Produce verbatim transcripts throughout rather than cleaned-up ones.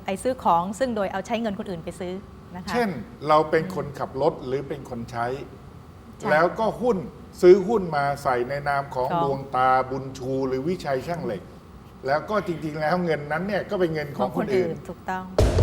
ไปซื้อของซึ่งโดยเอาใช้เงินคนอื่นไปซื้อนะคะเช่นเราเป็นคนขับรถหรือเป็นคนใช้ แล้วก็หุ้นซื้อหุ้นมาใส่ในนามของดวงตาบุญชูหรือวิชัยช่างเหล็ก แล้วก็จริงๆแล้วเงินนั้นเนี่ยก็เป็นเงินของคนอื่นถูกต้อง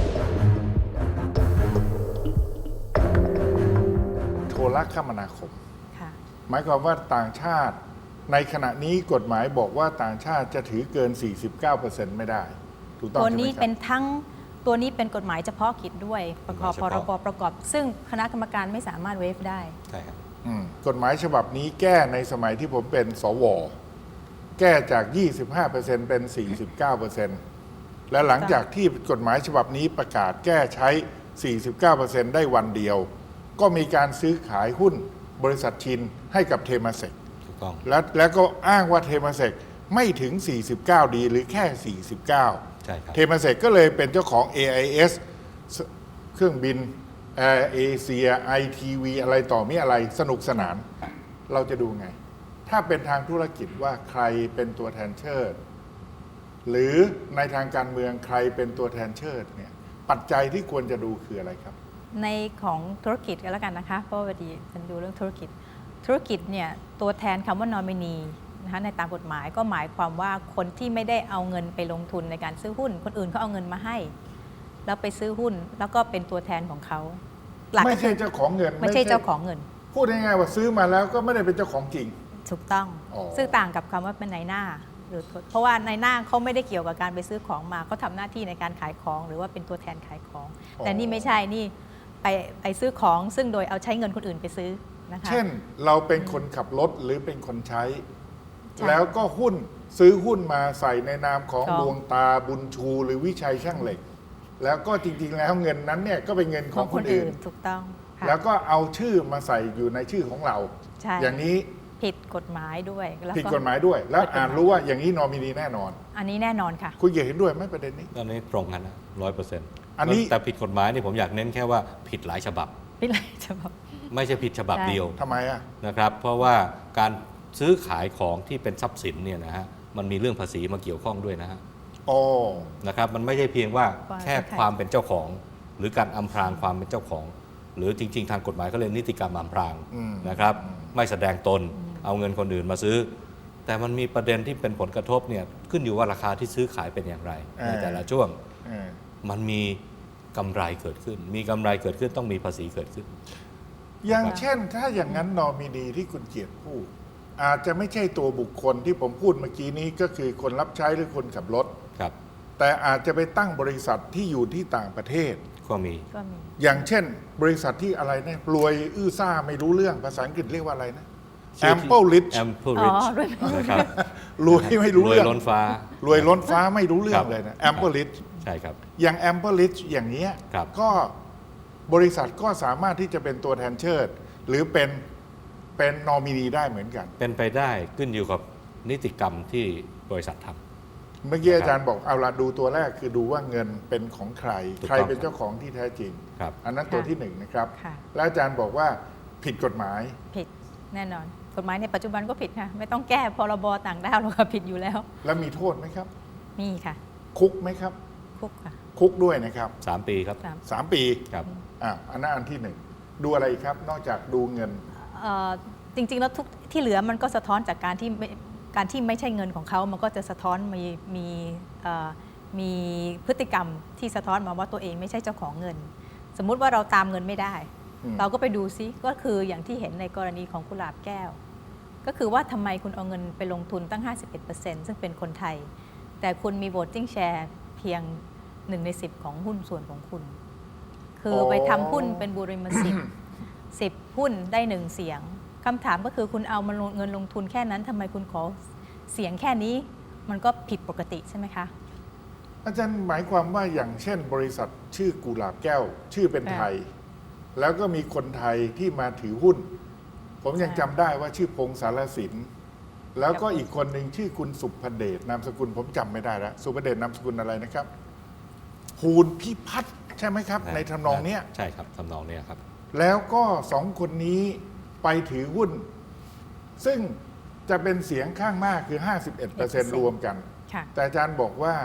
โทรคมนาคมหมายความว่าต่างชาติในขณะนี้กฎหมายบอกว่าต่างชาติจะถือเกิน สี่สิบเก้าเปอร์เซ็นต์ ไม่ได้ถูกต้องใช่ไหมครับตัวนี้เป็นทั้งตัวนี้เป็นกฎหมายเฉพาะกิจด้วยประกอบพรบประกอบซึ่งคณะกรรมการไม่สามารถเวฟได้ใช่ครับกฎหมายฉบับนี้แก้ในสมัยที่ผมเป็นสวแก้จาก ยี่สิบห้าเปอร์เซ็นต์ เป็น สี่สิบเก้าเปอร์เซ็นต์ และหลังจากที่กฎหมายฉบับนี้ประกาศแก้ใช้ สี่สิบเก้าเปอร์เซ็นต์ ได้วันเดียวก็มีการซื้อขายหุ้นบริษัทชินให้กับเทมาเซกถูกต้องแล้วแล้วก็อ้างว่าเทมาเซกไม่ถึง สี่สิบเก้า ดีหรือแค่ สี่สิบเก้าใช่ครับเทมาเซกก็เลยเป็นเจ้าของ เอ ไอ เอส เครื่องบินแอร์เอเชีย ไอ ที วี อะไรต่อมีอะไรสนุกสนาน เราจะดูไง ถ้าเป็นทางธุรกิจว่าใครเป็นตัวแทนเชิด หรือในทางการเมืองใครเป็นตัวแทนเชิดเนี่ยปัจจัยที่ควรจะดูคืออะไรครับในของธุรกิจก็แล้วกันนะคะเพราะว่าพอดีฉันดูเรื่องธุรกิจธุรกิจเนี่ยตัวแทนคำว่านอมินีนะคะในตามกฎหมายก็หมายความว่าคนที่ไม่ได้เอาเงินไปลงทุนในการซื้อหุ้นคนอื่นเขาเอาเงินมาให้แล้วไปซื้อหุ้นแล้วก็เป็นตัวแทนของเขาไม่ใช่เจ้าของเงินไม่ใช่เจ้าของเงินพูดง่ายๆว่าซื้อมาแล้วก็ไม่ได้เป็นเจ้าของจริงถูกต้องซึ่งต่างกับคำว่าเป็นนายหน้าหรือเพราะว่านายหน้าเขาไม่ได้เกี่ยวกับการไปซื้อของมาเขาทำหน้าที่ในการขายของหรือว่าเป็นตัวแทนขายของแต่นี่ไม่ใช่นี่ไปไปซื้อของซึ่งโดยเอาใช้เงินคนอื่นไปซื้อนะคะเช่นเราเป็นคนขับรถหรือเป็นคนใช้ แล้วก็หุ้นซื้อหุ้นมาใส่ในนามของดวงตาบุญชูหรือวิชัยช่างเหล็ก แล้วก็จริงๆแล้วเงินนั้นเนี่ยก็เป็นเงินของคนอื่นถูกต้องแล้วก็เอาชื่อมาใส่อยู่ในชื่อของเราอย่างนี้ผิดกฎหมายด้วยผิดกฎหมายด้วยแล้วอ่านรู้ว่าอย่างนี้นอมินีแน่นอนอันนี้แน่นอนค่ะคุณเห็นด้วยไหมประเด็นนี้อันนี้ตรงกันนะร้อยเปอร์เซ็นต์อันนี้แต่ผิดกฎหมายนี่ผมอยากเน้นแค่ว่าผิดหลายฉบับผิดหลายฉบับไม่ใช่ผิดฉบับเดียวทำไมอ่ะนะครับเพราะว่าการซื้อขายของที่เป็นทรัพย์สินเนี่ยนะฮะมันมีเรื่องภาษีมาเกี่ยวข้องด้วยนะฮะโอ้นะครับมันไม่ใช่เพียงว่าแค่ความเป็นเจ้าของหรือการอำพรางความเป็นเจ้าของหรือจริงๆทางกฎหมายเขาเรียกนิติกรรมอำพรางนะครับไม่แสดงตนเอาเงินคนอื่นมาซื้อแต่มันมีประเด็นที่เป็นผลกระทบเนี่ยขึ้นอยู่ว่าราคาที่ซื้อขายเป็นอย่างไรในแต่ละช่วงมันมีกำไรเกิดขึ้นมีกำไรเกิดขึ้นต้องมีภาษีเกิดขึ้นอย่างเช่นถ้าอย่างนั้นนอมินีที่คุณเกียรติพูดอาจจะไม่ใช่ตัวบุคคลที่ผมพูดเมื่อกี้นี้ก็คือคนรับใช้หรือคนขับรถครับแต่อาจจะไปตั้งบริษัทที่อยู่ที่ต่างประเทศก็มีอย่างเช่นบริษัทที่อะไรเนี่ยรวยอื้อซ่าไม่รู้เรื่องภาษาอังกฤษเรียกว่าอะไรนะ Ample Rich Ample Rich นะครับรวยไม่รู้เรื่องรวยล้นฟ้ารวยล้นฟ้าไม่รู้เรื่องเลยนะ Ample Rich ใช่ครับอย่าง Ample Rich อย่างนี้ก็บริษัทก็สามารถที่จะเป็นตัวแทนเชิดหรือเป็นเป็นนอมินีได้เหมือนกันเป็นไปได้ขึ้นอยู่กับนิติกรรมที่บริษัททำเมื่อกี้อาจารย์บอกเอาละดูตัวแรกคือดูว่าเงินเป็นของใครใครเป็นเจ้าของที่แท้จริงอันนั้นตัวที่หนึ่งนะครับแล้วอาจารย์บอกว่าผิดกฎหมายผิดแน่นอนกฎหมายในปัจจุบันก็ผิดค่ะไม่ต้องแก้พรบต่างด้าวหรอกค่ะผิดอยู่แล้วแล้วมีโทษไหมครับมีค่ะคุกไหมครับคุกค่ะคุกด้วยนะครับสามปีครับสามปีครับอ่าอันนั้นอันที่หนึ่งดูอะไรครับนอกจากดูเงินจริงๆแล้วทุกที่เหลือมันก็สะท้อนจากการที่การที่ไม่ใช่เงินของเขามันก็จะสะท้อนมีมีมีพฤติกรรมที่สะท้อนมาว่าตัวเองไม่ใช่เจ้าของเงินสมมุติว่าเราตามเงินไม่ได้เราก็ไปดูซิก็คืออย่างที่เห็นในกรณีของกุหลาบแก้วก็คือว่าทำไมคุณเอาเงินไปลงทุนตั้ง ห้าสิบเอ็ดเปอร์เซ็นต์ ซึ่งเป็นคนไทยแต่คุณมี voting share เพียงหนึ่งในสิบของหุ้นส่วนของคุณคือไปทำหุ้นเป็นบุริมสิทธิ์สิบหุ้นได้หนึ่งเสียงคำถามก็คือคุณเอามาเงินลงทุนแค่นั้นทำไมคุณขอเสียงแค่นี้มันก็ผิดปกติใช่ไหมคะอาจารย์หมายความว่าอย่างเช่นบริษัทชื่อกุหลาบแก้วชื่อเป็นไทยแล้วก็มีคนไทยที่มาถือหุ้นผมยังจำได้ว่าชื่อพงษ์สารสินแล้วก็อีกคนหนึ่งชื่อคุณสุภเดชนามสกุลผมจำไม่ได้แล้วสุภเดชนามสกุลอะไรนะครับภูลพิพัฒน์ใช่ไหมครับในทำนองเนี้ยใช่ครับทำนองเนี้ยครับแล้วก็สองคนนี้ไปถือหุ้นซึ่งจะเป็นเสียงข้างมากคือ ห้าสิบเอ็ดเปอร์เซ็นต์ รวมกันแต่อาจารย์บอกว่า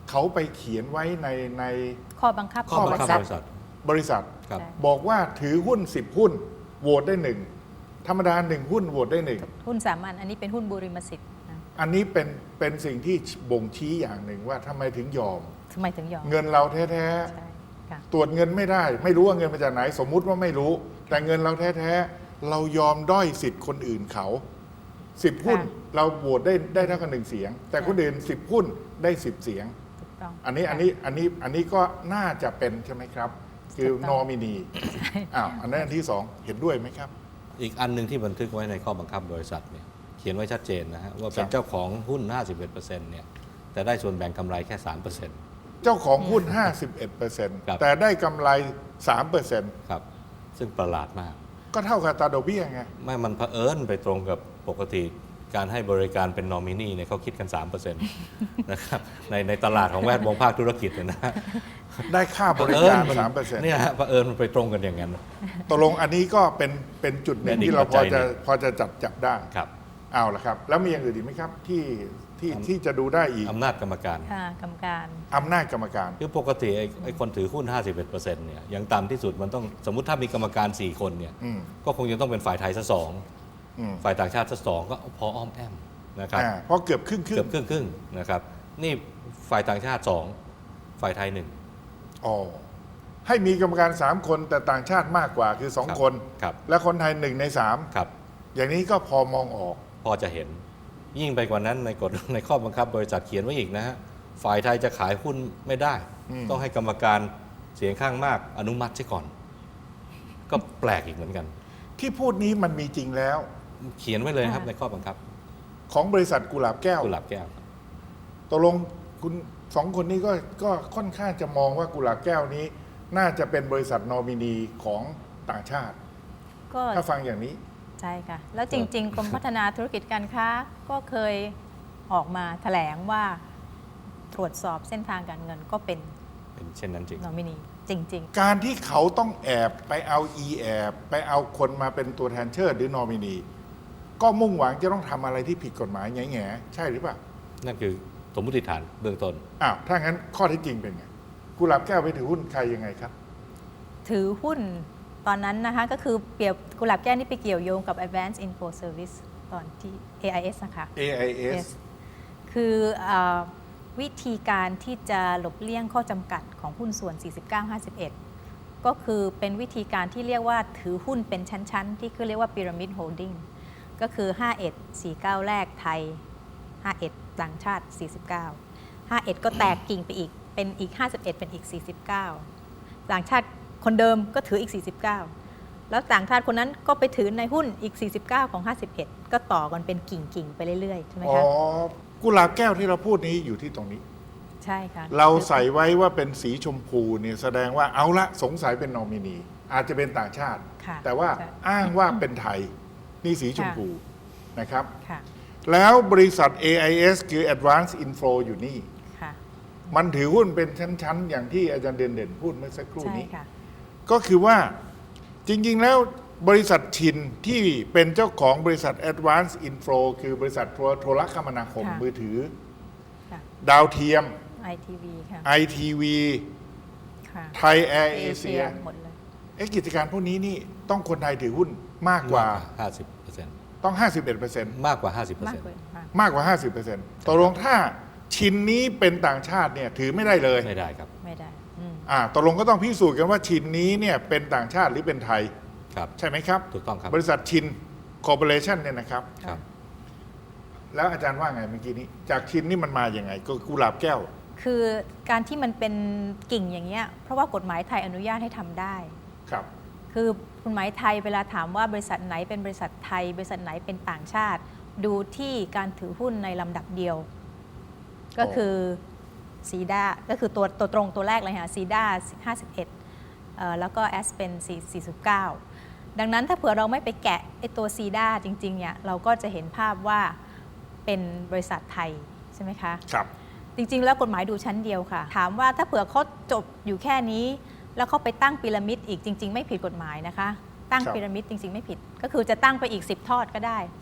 เขาไปเขียนไว้ในในข้อบังคับข้อบังคับบริษัทบริษัทครับใช่บอกว่าถือหุ้นสิบหุ้นโหวตได้หนึ่งธรรมดาหนึ่งหุ้นโหวตได้หนึ่งหุ้นสามัญอันนี้เป็นหุ้นบุริมสิทธิ์นะอันนี้เป็นเป็นสิ่งที่บ่งชี้อย่างหนึ่งว่าทำไมถึงยอมทำไมถึงยอมเงินเราแท้ใช่ค่ะๆตรวจเงินไม่ได้ ไม่รู้ว่าเงินมาจากไหน สมมุติว่าไม่รู้ แต่เงินเราแท้ๆเรายอมด้อยสิทธิ์คนอื่นเขาสิบหุ้นค่ะเราโหวตได้ได้เท่ากันหนึ่งเสียง แต่คนอื่นสิบหุ้นได้สิบเสียงถูกต้องอันนี้ค่ะอันนี้อันนี้อันนี้ก็น่าจะเป็นใช่ไหมครับ คือถูกนต้อองมินีอ้าวอันนั้นอันที่สองเห็นด้วยไหมครับอีกอันหนึ่งที่บันทึกไว้ในข้อบังคับบริษัทเนี่ยเขียนไว้ชัดเจนนะฮะว่าเป็ครันบเจ้าของหุ้น ห้าสิบเอ็ดเปอร์เซ็นต์ เนี่ยแต่ได้ส่วนแบ่งกำไรแค่ สามเปอร์เซ็นต์เจ้าของหุ้น ห้าสิบเอ็ดเปอร์เซ็นต์ครับแต่ได้กำไร สามเปอร์เซ็นต์ครับซึ่งประหลาดมากก็เท่ากับตราดอกเบี้ยไงไม่มันเผอิญไปตรงกับปกติการให้บริการเป็นนอมินีเนี่ยเขาคิดกัน สามเปอร์เซ็นต์ นะครับในในตลาดของแวดวงภาคธุรกิจเนี่ยนะได้ค่าบริการ สามเปอร์เซ็นต์เนี่ยฮะเผอิญมันไปตรงกันอย่างนั้นตกลงอันนี้ก็เป็นเป็นจุดหนึ่งเป็นอีกที่เราพอปัจจัจะยหนึ่งพอจะจับจับได้ครับเอาละครับ แล้วมีอย่างอื่นอีกไหมครับ ที่ที่อำที่จะดูได้อีกอำนาจกรรมการค่ะกรรมการอำนาจกรรมการคือปกติไอ้ไอ้คนถือหุ้น ห้าสิบเอ็ดเปอร์เซ็นต์ เนี่ยอย่างต่ำที่สุดมันต้องสมมุติถ้ามีกรรมการ สี่ คนเนี่ยอืมก็คงจะต้องเป็นฝ่ายไทยสักสองอืมฝ่ายต่างชาติสักสองก็พออ้อมแอมนะครับอ่าเพราะเกือบครึ่งครึ่เกือบครึ่งครึ่งๆนะครับนี่ฝ่ายต่างชาติสองฝ่ายไทยหนึ่งอ๋อให้มีกรรมการสามคนแต่ต่างชาติมากกว่าคือสองครับคนครับและคนไทยหนึ่งในสามครับอย่างนี้ก็พอมองออกพอจะเห็นยิ่งไปกว่านั้นในกฎ ในข้อบังคับบริษัทเขียนไว้อีกนะฮะฝ่ายไทยจะขายหุ้นไม่ได้อืมต้องให้กรรมการเสียงข้างมากอนุมัติใช่ก่อน ก็แปลกอีกเหมือนกันที่พูดนี้มันมีจริงแล้วเขียนไว้เลยนะครับค่ะในข้อบังคับของบริษัทกุหลาบแก้วกุหลาบแก้วครับตกลงคุณสองคนนี้ก็ก็ค่อนข้างจะมองว่ากุหลาบแก้วนี้ น่าจะเป็นบริษัทนอมินีของต่างชาติก็ถ้าฟังอย่างนี้ใช่ค่ะ แล้วจริง ๆ กรมพัฒนาธุรกิจการค้าก็เคยออกมาแถลงว่าตรวจสอบเส้นทางการเงินก็เป็นเป็นเช่นนั้นจริงนอมินีจริงการที่เขาต้องแอบไปเอาอีแอบไปเอาคนมาเป็นตัวแทนเชิดหรือนอมินี ก็มุ่งหวังจะต้องทำอะไรที่ผิดกฎหมายแง่ๆใช่หรือเปล่านั่นคือสมมติฐานเบื้องต้นอ้าวถ้างั้นข้อเท็จจริงเป็นไงกุหลาบแก้วไปถือหุ้นใครยังไงครับๆ ถือหุ้นตอนนั้นนะคะก็คือเปรียบกุหลาบแก้วนี่ไปเกี่ยวโยงกับ Advanced Info Service ตอนที่ เอ ไอ เอส นะคะเอ ไอ เอส Yes คือเออวิธีการที่จะหลบเลี่ยงข้อจำกัดของหุ้นส่วน สี่สิบเก้า ห้าสิบเอ็ด ก็คือเป็นวิธีการที่เรียกว่าถือหุ้นเป็นชั้น ๆ ที่คือเรียกว่า Pyramid Holding ก็คือ ห้าสิบเอ็ด สี่สิบเก้า แรกไทย ห้าสิบเอ็ด ต่างชาติ สี่สิบเก้า ห้าสิบเอ็ด ก็แตกกิ่งไปอีก เป็นอีก ห้าสิบเอ็ด เป็นอีก สี่สิบเก้า ต่างชาติคนเดิมก็ถืออีก สี่สิบเก้า แล้วต่างชาติคนนั้นก็ไปถือในหุ้นอีก สี่สิบเก้า ของ ห้าสิบเอ็ด ก็ต่อกันเป็นกิ่ง ๆ ไปเรื่อย ๆ ใช่ไหมอ๋อคะกุหลาบแก้วที่เราพูดนี้อยู่ที่ตรงนี้ใช่ค่ะเราใส่ไว้ว่าเป็นสีชมพูเนี่ยแสดงว่าเอาละสงสัยเป็นนอมินี อาจจะเป็นต่างชาติค่ะแต่ว่าใช่อ้างว่าเป็นไทย นี่สีชมพูนะครับค่ะแล้วบริษัท เอ ไอ เอส คือ Advanced Info อยู่นี่ค่ะมันถือหุ้นเป็นชั้น ๆ อย่างที่อาจารย์เด่นเด่นๆพูดเมื่อสักครู่ใช่นี้ค่ะก็คือว่าจริง ๆ แล้วบริษัทชินที่เป็นเจ้าของบริษัท Advanced Info คือบริษัทโทรโทรคมนาคมค่ะมือถือค่ะดาวเทียมไอ ที วี ค่ะไอ ที วีค่ะไทยแอร์เอเชียหมดเลยเอ๊ะกิจการพวกนี้นี่ต้องคนไทยถือหุ้นมากกว่าห้าสิบเปอร์เซ็นต์ต้อง ห้าสิบเอ็ดเปอร์เซ็นต์มากกว่า ห้าสิบเปอร์มากเซ็นต์กว่าค่ะมากกว่า ห้าสิบเปอร์เซ็นต์ตกลงถ้าชิ้นนี้เป็นต่างชาติเนี่ยถือไม่ได้เลยไม่ได้ครับไม่ได้อืมอ่าตกลงก็ต้องพิสูจน์กันว่าชิ้นนี้เนี่ยเป็นต่างชาติหรือเป็นไทยครับใช่ไหมครับถูกต้องครับบริษัทชินคอร์ปอเรชั่นเนี่ยนะครับครับแล้วอาจารย์ว่าไงเมื่อกี้นี้ จากชินนี่มันมาอย่างไง ก็กุหลาบแก้วคือการที่มันเป็นกิ่งอย่างเงี้ย เพราะว่ากฎหมายไทยอนุญาตให้ทำได้ครับคือกฎหมายไทยเวลาถามว่าบริษัทไหนเป็นบริษัทไทย บริษัทไหนเป็นต่างชาติ ดูที่การถือหุ้นในลำดับเดียว ก็คือซีดาก็คือตัวตัวตรงตัวแรกเลยค่ะซีดาห้าสิบเอ็ดแล้วก็แอสเป็นสี่สิบเก้าดังนั้นถ้าเผื่อเราไม่ไปแกะไอตัวซีดาจริงๆเนี่ยเราก็จะเห็นภาพว่าเป็นบริษัทไทยใช่ไหมคะครับจริงๆ แล้วกฎหมายดูชั้นเดียวค่ะ ถามว่าถ้าเผื่อเขาจบอยู่แค่นี้ แล้วเขาไปตั้งพีระมิดอีกจริง ๆ ไม่ผิดกฎหมายนะคะ ตั้งครับพีระมิดจริง ๆ ไม่ผิด ก็คือจะตั้งไปอีกสิบทอดก็ได้ครับ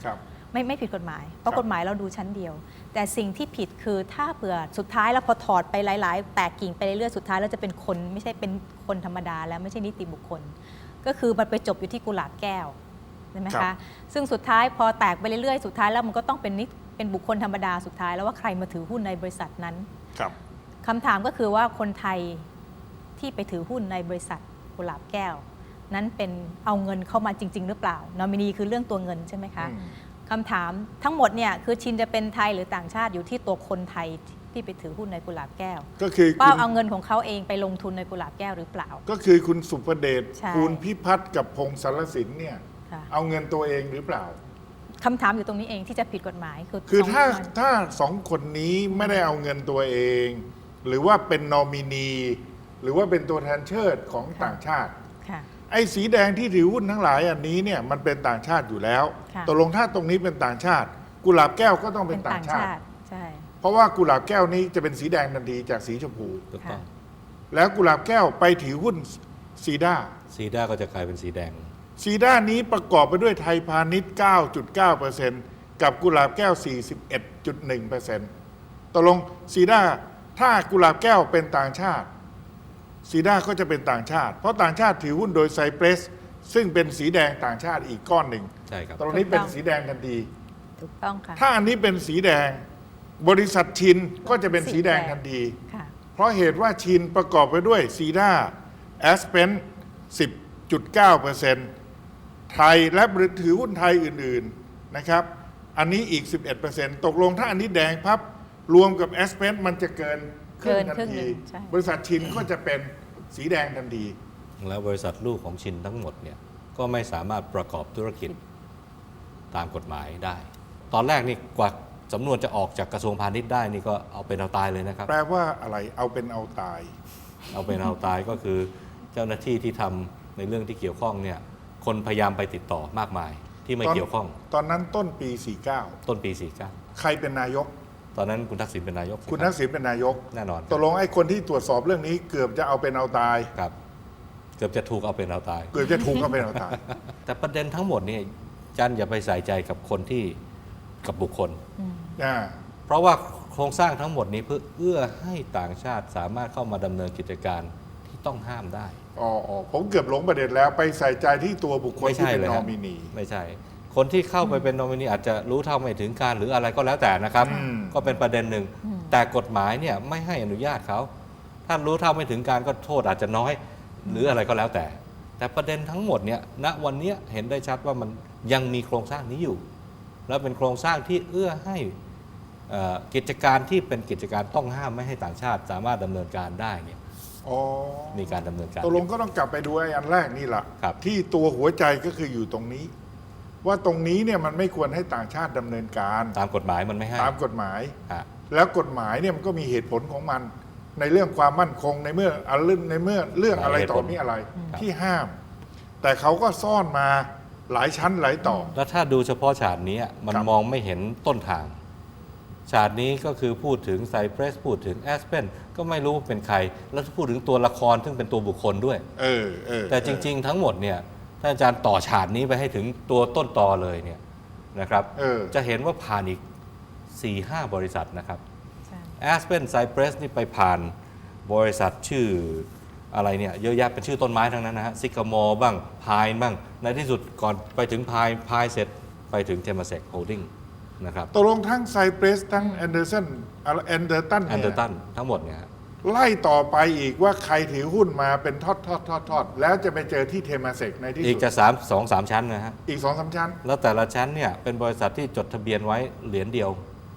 ไม่ไม่ผิดกฎหมาย เพราะครับกฎหมายเราดูชั้นเดียว แต่สิ่งที่ผิดคือถ้าเผื่อสุดท้ายแล้วพอถอดไปหลาย ๆ แตกกิ่งไปเรื่อยๆสุดท้ายแล้วจะเป็นคนไม่ใช่เป็นคนธรรมดาแล้วไม่ใช่นิติบุคคล ก็คือมันไปจบอยู่ที่กุหลาบแก้วใช่ไหมครัคะบซึ่งสุดท้ายพอแตกไปเรื่อยๆสุดท้ายแล้วมันก็ต้องเป็นนิเป็นบุคคลธรรมดาสุดท้ายแล้วว่าใครมาถือหุ้นในบริษัทนั้นครับคำถามก็คือว่าคนไทยที่ไปถือหุ้นในบริษัทกุหลาบแก้ว นั้นเป็นเอาเงินเข้ามาจริง ๆ หรือเปล่านอมินีคือเรื่องตัวเงินใช่ไหมคะอืมคำถามทั้งหมดเนี่ยคือชินจะเป็นไทยหรือต่างชาติอยู่ที่ตัวคนไทยที่ไปถือหุ้นในกุหลาบแก้วก็คือว่าคุณเอาเงินของเขาเองไปลงทุนในกุหลาบแก้วหรือเปล่าก็คือคุณสุประเดชใช่ภูลพิพัฒน์กับพงศ์สารสินเนี่ยค่ะเอาเงินตัวเองหรือเปล่าคำถามอยู่ตรงนี้เองที่จะผิดกฎหมายคือคือสงถ้าคนถ้าสองคนนี้ไม่ได้เอาเงินตัวเอง หรือว่าเป็นนอมินี หรือว่าเป็นตัวแทนเชิดของต่างชาติค่ะไอ้สีแดงที่ถือหุ้นทั้งหลายอันนี้เนี่ยมันเป็นต่างชาติอยู่แล้วค่ะตกลงถ้าตรงนี้เป็นต่างชาติ กุหลาบแก้วก็ต้องเป็นต่างชาติใช่เพราะว่ากุหลาบแก้วนี้จะเป็นสีแดงทันทีจากสีชมพูถูกต้องแล้วกุหลาบแก้วไปถือหุ้นซีด้าซีด้าก็จะกลายเป็นสีแดงซีด้านี้ประกอบไปด้วยไทยพาณิชย์ เก้าจุดเก้าเปอร์เซ็นต์ กับกุหลาบแก้ว สี่สิบเอ็ดจุดหนึ่งเปอร์เซ็นต์ ตกลงซีด้าถ้ากุหลาบแก้วเป็นต่างชาติซีด้าก็จะเป็นต่างชาติ เพราะต่างชาติถือหุ้นโดยไซเปรสซึ่งเป็นสีแดงต่างชาติอีกก้อนหนึ่งใช่ครับตรงนี้เป็นสีแดงทันทีถูกต้องค่ะถ้าอันนี้เป็นสีแดง บริษัทชินก็จะเป็นสีแดงทันทีค่ะเพราะเหตุว่าชินประกอบไปด้วยซีด้าแอสเพน สิบจุดเก้าเปอร์เซ็นต์ ไทยและถือหุ้นไทยอื่นๆนะครับ อันนี้อีก สิบเอ็ดเปอร์เซ็นต์ ตกลงถ้าอันนี้แดงพับรวมกับแอสเพนมันจะเกินครึ่งเกินทันครึ่งหทีนึ่งใช่บริษัทชินก็จะเป็นสีแดงทันทีแล้วบริษัทลูกของชินทั้งหมดเนี่ยก็ไม่สามารถประกอบธุรกิจตามกฎหมายได้ ตอนแรกนี่กว่าสำนวนจะออกจากกระทรวงพาณิชย์ได้นี่ก็เอาเป็นเอาตายเลยนะครับแปลว่าอะไรเอาเป็นเอาตายเอาเป็นเอาตายก็คือเจ้าหน้าที่ที่ทำในเรื่องที่เกี่ยวข้องเนี่ยคนพยายามไปติดต่อมากมายที่ไม่ตอนเกี่ยวข้องตอนนั้นต้นปี สี่สิบเก้าต้นปีสี่สิบเก้าใครเป็นนายกตอนนั้นคุณทักษิณเป็นนายกคุณใช่ไหมทักษิณเป็นนายกแน่นอนตกลงไอ้คนที่ตรวจสอบเรื่องนี้เกือบจะเอาเป็นเอาตายครับเกือบจะถูกเอาเป็นเอาตายเกือบจะถูกเอาเป็นเอาตายแต่ประเด็นทั้งหมดนี่จันอย่าไปใส่ใจกับคนที่กับบุคคลอืมอ่าเพราะว่าโครงสร้างทั้งหมดนี้เพื่อเอื้อให้ต่างชาติสามารถเข้ามาดำเนินกิจการที่ต้องห้ามได้อ๋ออ๋อผมเกือบหลงประเด็นแล้วไปใส่ใจที่ตัวบุคคลไม่ที่ใช่เป็นเลยนคอรับมินีไม่ใช่ คนที่เข้าไปเป็นนอมินีอาจจะรู้เท่าไม่ถึงการหรืออะไรก็แล้วแต่นะครับอืมก็เป็นประเด็นหนึ่งอืมแต่กฎหมายเนี่ยไม่ให้อนุญาตเขาถ้ารู้เท่าไม่ถึงการก็โทษอาจจะน้อย หรืออะไรก็แล้วแต่ แต่ประเด็นทั้งหมดเนี่ยณวันเนี้ยเห็นได้ชัดว่ามันยังมีโครงสร้างนี้อยู่ แล้วเป็นโครงสร้างที่เอื้อให้เอ่อกิจการที่เป็นกิจการต้องห้ามไม่ให้ต่างชาติ สามารถดำเนินการได้เนี่ยอ๋อมีการดำเนินการตกลงก็ต้องกลับไปดูไอ้อันแรกนี่แหละครับที่ตัวหัวใจก็คืออยู่ตรงนี้ ว่าตรงนี้เนี่ยมันไม่ควรให้ต่างชาติดำเนินการตามกฎหมายมันไม่ให้ตามกฎหมายฮะแล้วกฎหมายเนี่ยมันก็มีเหตุผลของมัน ในเรื่องความมั่นคงในเมื่ออะเรื่องในเมื่อเรื่องอะไรต่อมีอะไร ที่ห้าม แต่เขาก็ซ่อนมาหลายชั้นหลายต่อแล้วถ้าดูเฉพาะฉากนี้มันครับมองไม่เห็นต้นทาง ฉากนี้ก็คือพูดถึงไซเ r รสพูดถึงแอสเพนก็ไม่รู้เป็นใคร แล้วพูดถึงตัวละครซึ่งเป็นตัวบุคคลด้วยเออเออแต่จริง ๆ ทั้งหมดเนี่ยถ้าอาจารย์ต่อฉากนี้ไปให้ถึงตัวต้นตอเลยเนี่ยนะครับเออจะเห็นว่าผ่านอีก สี่ห้า บริษัทนะครับใช่แอสเพนไซเ r รสนี่ไปผ่านบริษัทชื่ออะไรเนี่ยเยอะแยะเป็นชื่อต้นไม้ทั้งนั้นนะฮะซิกามอบ้างพายบ้าง ในที่สุดก่อนไปถึงพายพายเสร็จไปถึงเทมเซกโฮลดิ้งนะครับตกลงทั้งไซเ r รสทั้งแอนเดอร์สันแอนเดอร์ตันแอนเดอเนี่ยร์ตันทั้งหมดเนี่ยฮะไล่ต่อไปอีกว่าใครถือหุ้นมาเป็นทอดทอดทอดทอดแล้วจะไปเจอที่เทมาเซกในที่อีกสุดจะสามสองสามชั้นนะฮะอีกสองสามชั้นแล้วแต่ละชั้นเนี่ยเป็นบริษัทที่จดทะเบียนไว้เหรียญเดียว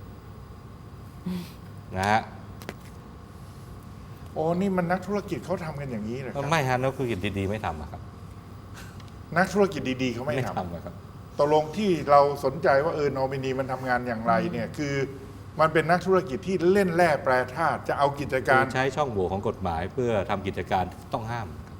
นะฮะโอ้นี่มันนักธุรกิจเขาทำกันอย่างนี้เหรอครับไม่ฮะนักธุรกิจดีๆไม่ทำอะครับนักธุรกิจดีๆเขาไม่ททำอะครับำตกลงที่เราสนใจว่าเออนอมินีมันทำงานอย่างไรเนี่ยคือมันเป็นนักธุรกิจที่เล่นแร่แปรธาตุจะเอากิจกาการรใช้ช่องโหว่ของกฎหมายเพื่อทำกิจการต้องห้าม